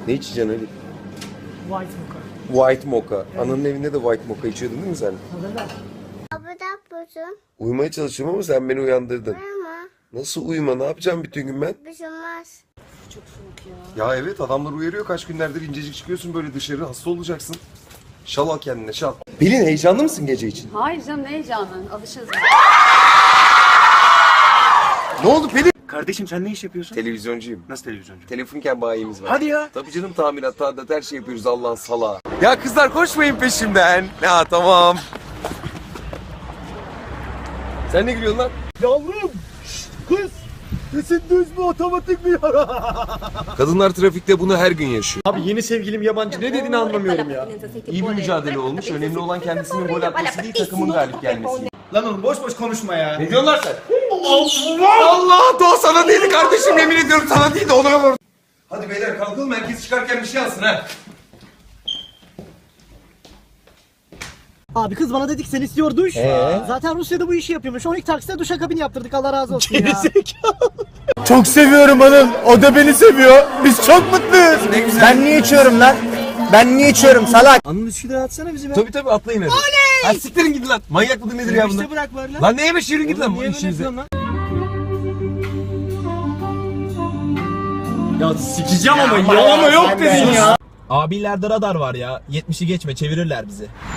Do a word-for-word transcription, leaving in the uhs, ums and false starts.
Ne içeceksin Ali? White mocha. White mocha. Evet. Ananın evinde de white mocha içiyordun değil mi sen? Hazırlar. Abi ne yapıyorsun? Uyumaya çalışıyorum ama sen beni uyandırdın. Uyuma. Nasıl uyuma? Ne yapacağım bütün gün ben? Bir şey olmaz. Çok soğuk ya. Ya evet, adamlar uyarıyor, kaç günlerdir incecik çıkıyorsun böyle dışarı, hasta olacaksın. Şal al kendine, şal. Pelin, heyecanlı mısın gece için? Hayır canım, ne heyecanın? Alışırız. Ne oldu Pelin? Kardeşim sen ne iş yapıyorsun? Televizyoncuyum. Nasıl televizyoncu? Telefonken bayimiz var. Hadi ya. Tabii canım, tamirat, tadilat, her şey yapıyoruz Allah'ın salağı. Ya kızlar koşmayın peşimden. Ya tamam. Sen ne gülüyorsun lan? Yavrum! Şşt, kız! Sesin düz mü, otomatik mi? Kadınlar trafikte bunu her gün yaşıyor. Abi yeni sevgilim yabancı, ne dediğini anlamıyorum ya. İyi bir mücadele olmuş. Önemli olan kendisinin gol atması değil, takımın galip gelmesi. Lan oğlum boş boş konuşma ya. Ne diyorsun lan sen? Allah! Allah! Doğa sana değildi kardeşim, yemin ediyorum sana değildi, ona vur. Hadi beyler kalkalım, herkes çıkarken bir şey alsın ha. Abi kız bana dedik sen istiyor duş. Ee? Zaten Rusya'da bu işi yapıyormuş. on iki taksite duşakabin yaptırdık, Allah razı olsun ya. Çok seviyorum hanım. O da beni seviyor. Biz çok mutluyuz. Ne güzel. Ben niye içiyorum lan? Ben niye içiyorum salak? Anıl Üsküdar'a atsana bizi be. Tabii tabii, atlayın hadi. Oley! Ha, siktirin gidin lan. Manyak mıdır nedir ya bunlar? İşte bırak var lan. Lan neye beş yürüyün gidin lan bu Niye böyle işinize. yapıyorsun lan? Ya sikeceğim ama ya ama yok dedin ya. Abilerde radar var ya. yetmişi geçme, çevirirler bizi.